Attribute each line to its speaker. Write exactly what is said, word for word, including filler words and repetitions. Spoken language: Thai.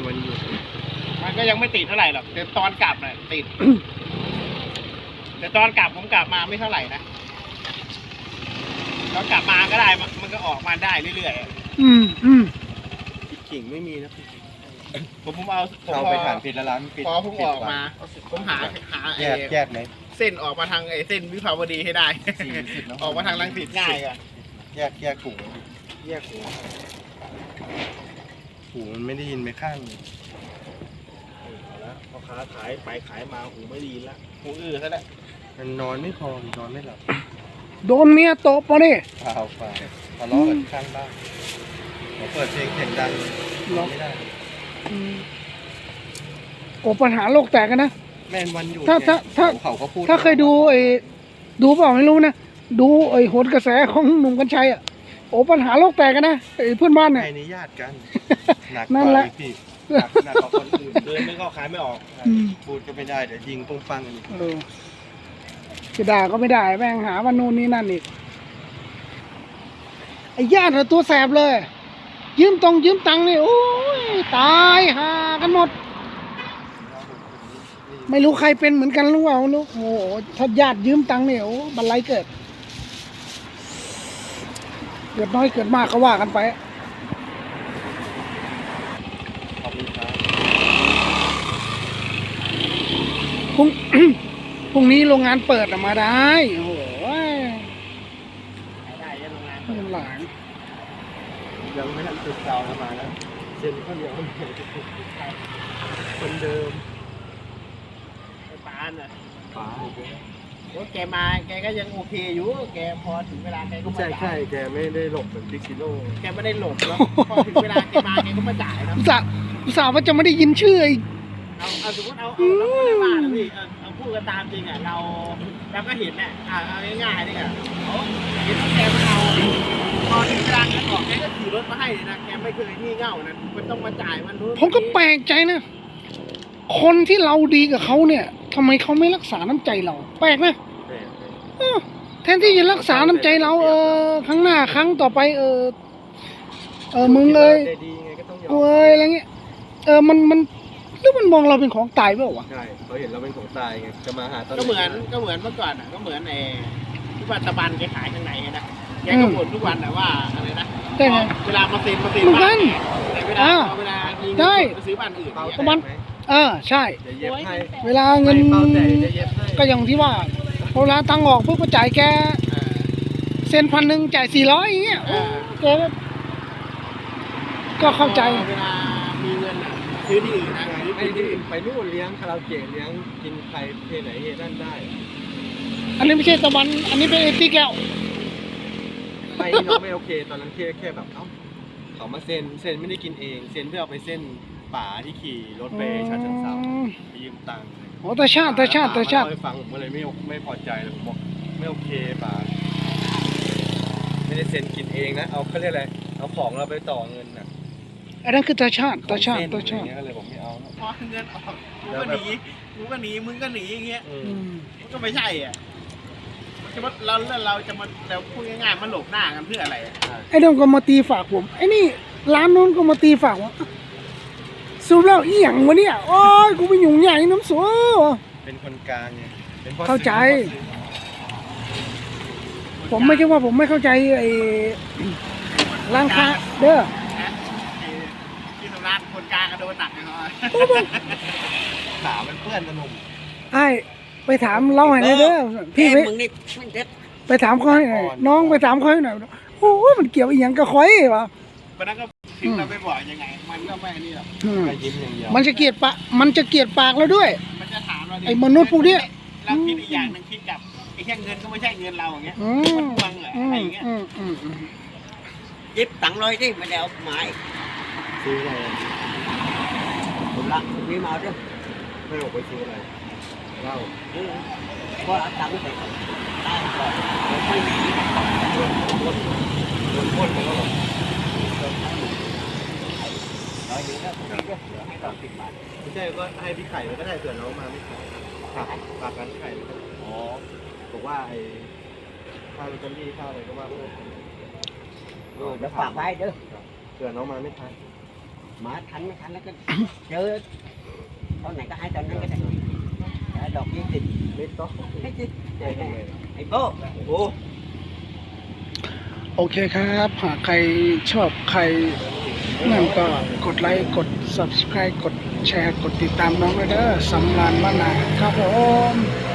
Speaker 1: วันหยุด
Speaker 2: มันก็ยังไม่ติดเท่าไหร่หรอกแต่ตอนกลับน่ะติด แต่ตอนกลับผมกลับมาไม่เท่าไหร่นะตอนกลับมาก็ได้มันก็ออกมาได้เรื่อย
Speaker 3: ๆอืมอืม
Speaker 1: ขิงไม่มีนะ
Speaker 2: ผมผมเอา
Speaker 1: เราไปถ่านผิดแล้วร้านผิด
Speaker 2: พอผมออกมาผมหาหา
Speaker 1: แยกแยกไหม
Speaker 2: เส้นออกมาทางไอ้เส้นวิภาวดีให้ได้ออกมาทางรังสิตง่ายกว่า
Speaker 1: แยกแยกถุงแยกถุงหูมันไม่ได้ยินไปข้างแล้วพอค้าขายไปขายมาหูไม่ดีแล้ว
Speaker 2: หูอื้อซะแล้ว
Speaker 1: มันนอนไม่พอนอนไม่หลับ
Speaker 3: โดนเมียตบปะนี่
Speaker 1: เปล่าเปล่าทะเลาะกันข้างบ้านเราเปิดเพลงเสียงดังไม่ได้
Speaker 3: โอ้ปัญหาโลกแตกกันนะ
Speaker 1: แม่นวันอยู่
Speaker 3: ถ้าถ้าถ้า
Speaker 1: เขาก็พูด
Speaker 3: ถ้าเคยดูไอ้ดูเปล่าไม่รู้นะดูไอ้โหนกระแสของหนุ่มกัญชัยอ่ะโอ้ปัญหาโลกแตกกันนะไอ้เพื่อนบ้านเนี่ย
Speaker 1: ใครนี่ญาติกันหนัก
Speaker 3: นั่นแหละ
Speaker 1: พี่หนักหนักกว่าคนอื่นเดินไม่เข้าขายไม่ออกพูดก็ไม่ได้เดี๋ยวยิงปุ้งปังอีก
Speaker 3: จะด่าก็ไม่ได้แม่งหาว่านู่นนี่นั่นอีกไอ้ญาติตัวแสบเลยยืมตรงยืมตังค์นี่โอ้ยตายหากันหมดไม่รู้ใครเป็นเหมือนกันหรือเปล่าลูกโอ้ถ้าญาติยืมตังค์เนี่ยโอ้บันไลเกิดเกิดน้อยเกิดมากก็ว่ากันไปพรุ่งพรุ่งนี้โรงงานเปิดออกมาได้โอ้โห
Speaker 2: ได้ยังโรงงาน
Speaker 3: หลาน
Speaker 1: ยังไม่ทันติดเตามาแล้วเซ็นข้าวเหนียวคนเดิม
Speaker 2: ปานอ่ะ
Speaker 1: ปาน
Speaker 2: ว่าแกมาแกก็ยังโอเคอยู่แกพอถึงเวลาแกก็มาจ่าย
Speaker 1: ใช่ใช่แกไม่ได้หลบเหมือนพิกิโล
Speaker 2: แกไม่ได้หลบแล้วพอถึงเวลาแกมาแกก็มาจ่ายนะ
Speaker 3: สาวสาวว่าจะไม่ได้ยินชื่อไอ้
Speaker 2: เอาเอาสมมติเอาเอาเราไม่ได้ว่านะพี่เอาพูดกันตามจริงอ่ะเราเราก็เห็นเนี่ยอ่าเอาง่ายๆนี่อ่ะเขาเห็นแกมาเอาพอถึงเวลาแกออกแกก็ขี่รถมาให้นะแกไม่เคยงี่เง่านะมันต้องมาจ่ายมันรู้
Speaker 3: ผมก็แปลกใจนะคนที่เราดีกับเขาเนี่ยทำไมเขาไม่รักษาน้ำใจเราแปลกนะแทนที่จะรักษาน้ำใจเราเออครั้งหน้าครั้งต่อไปเออเออมึงเลยเอ้ยอะไรเงี้ยเออมันมันหรือมันมองเราเป็นของตายเปล่าวะ
Speaker 1: ใช่เขาเห็นเราเป็นของตายไงจะมาหาตอน
Speaker 2: ก็เหมือนก็เหมือนเมื่อก่อนอ่ะก็เหมือนไอ้ที่ว่าตะบันแกขายข้างในนะแกก็บ่นทุกวันแต่ว่าอะไรนะเวลามาเซ็นมาเซ็นบ้านเวลาเวลามีเงินไปซื้อบ้านอื่น
Speaker 3: ตะบันเออใช่เวลาเงินก็อย่างที่ว่าเวลาตังออกพวกก็จ่ายแกเซ็นพันหนึ่งจ่ายสี่ร้อยอย่างเงี้ยแกก็เข้าใจ
Speaker 2: เวลามีเงินซื้อที่อื่นนะ
Speaker 1: ไปที่ไปนู่นเลี้ยงคาราโอเกะเลี้ยงกินใครเทไหนเฮนั่นได้
Speaker 3: อันนี้ไม่ใช่ตะวันอันนี้เป็นเอติแก้ว
Speaker 1: ไปน้องไม่โอเคตอนนั้นแค่แค่แบบเอ้าเขามาเซ็นเซ็นไม่ได้กินเองเซ็นเพื่อเอาไปเส้นป่าที่ขี่รถไปชาเชิงเทราไปยืมตังค์
Speaker 3: โอ้แต่ชาติแต่ชาติแต่ชาติ
Speaker 1: ไปฟังผมก็เลยไม่ไม่พอใจเลยผมบอกไม่โอเคป่าไม่ได้เซ็นกินเองนะเอาเขาเรียกอะไรเอาของเราไปต่อเงินน่ะ
Speaker 3: อันนั้นคือตาชาติตาชาติตาชาติ
Speaker 1: ก็เลยผมไม่เอา
Speaker 2: พอเงินออกกูก็หนีกูก็หนีมึงก็หนีอย่างเงี้ยมันก็ไม่ใช่อ่ะจะมาเราเราจะมาเราพูดง่ายๆมันหลบหน้ากันเพื่ออะไร
Speaker 3: ไอ้น้องก็มาตีฝากผมไอ้นี่ร้านนู้นก็มาตีฝากว่าสูบแล้วอีหยังวะเนี่ยโอ้ยกูไปหยุ่งใหญ่น้ำสัว
Speaker 1: เป็นคนกลางไง
Speaker 3: เข้าใจผมไม่ใช่ว่าผมไม่เข้าใจไอ้ร้านค้าเด้อ
Speaker 2: ที่ตลาดคนกลางก็โดนหนักเลยเนาะ
Speaker 1: ขามันเปื้อนกระนุ่ม
Speaker 3: ไอ้ไปถามเล่าให้เด้อพี่ไปไปถามเขาให้น้องไปถามเขาให้หน่อยโอ้ยมันเกี่ยวอีหยังกับคอยวะ
Speaker 2: วันนั้นก็ถึงเราไปบอกยังไงมันก็ไม่นี่หรอก
Speaker 1: ยิ้มอย่างเดียว
Speaker 3: มันจะเกลียดปะมันจะเกลียดปากเราด้วย
Speaker 2: มันจะถามเรา
Speaker 3: ไอ้มนุษย์พวกนี้
Speaker 2: เราคิดอีกอย่างนึงคิดกับไอ้แค่เงินก็ไม่ใช่เงินเราอย่างเงี้ยมันทวงเหรออะไรอย่างเงี้ยยิบตังค์เลยที่ไม่ได้เอาหมาย
Speaker 1: ซื้ออะไร
Speaker 2: ผมละมีมาด้วย
Speaker 1: ไม่ออกไปซื้ออะไรเล่า
Speaker 2: ก็เอาตังค์ไปได้ก่อนไม่มี
Speaker 1: โดนโดนโดนพ่นแล้วหรอ
Speaker 2: ร้อยเดียวก็ให้ต่อสิบบาท
Speaker 1: ไม่ใช่ก็ให้พี่ไข่ก็ได้เผื่อน้องมาไม่ขาดฝากฝากกันไข่อ๋อบอกว่าไอ้ค่าลอตเตอรี่ค่าอะไรก็ว่าเพื่อ
Speaker 2: เดี๋ยวฝากไว้เด้อ
Speaker 1: เผื่อน้องมาไม่ทัน
Speaker 4: มาทันไม่ทันแล้วก็เจอตอนไหนก็ให้ตอนนั้นก็ได้ดอกยี่สิบเมตรก็ให้จิไอ้โบ้โอ้
Speaker 3: โอเคครับหากใครชอบใครนั่นก็กดไลค์กด ซับสไครบ์ กดแชร์กดติดตามน้องด้วยเด้อสำรานบ้านนาครับผม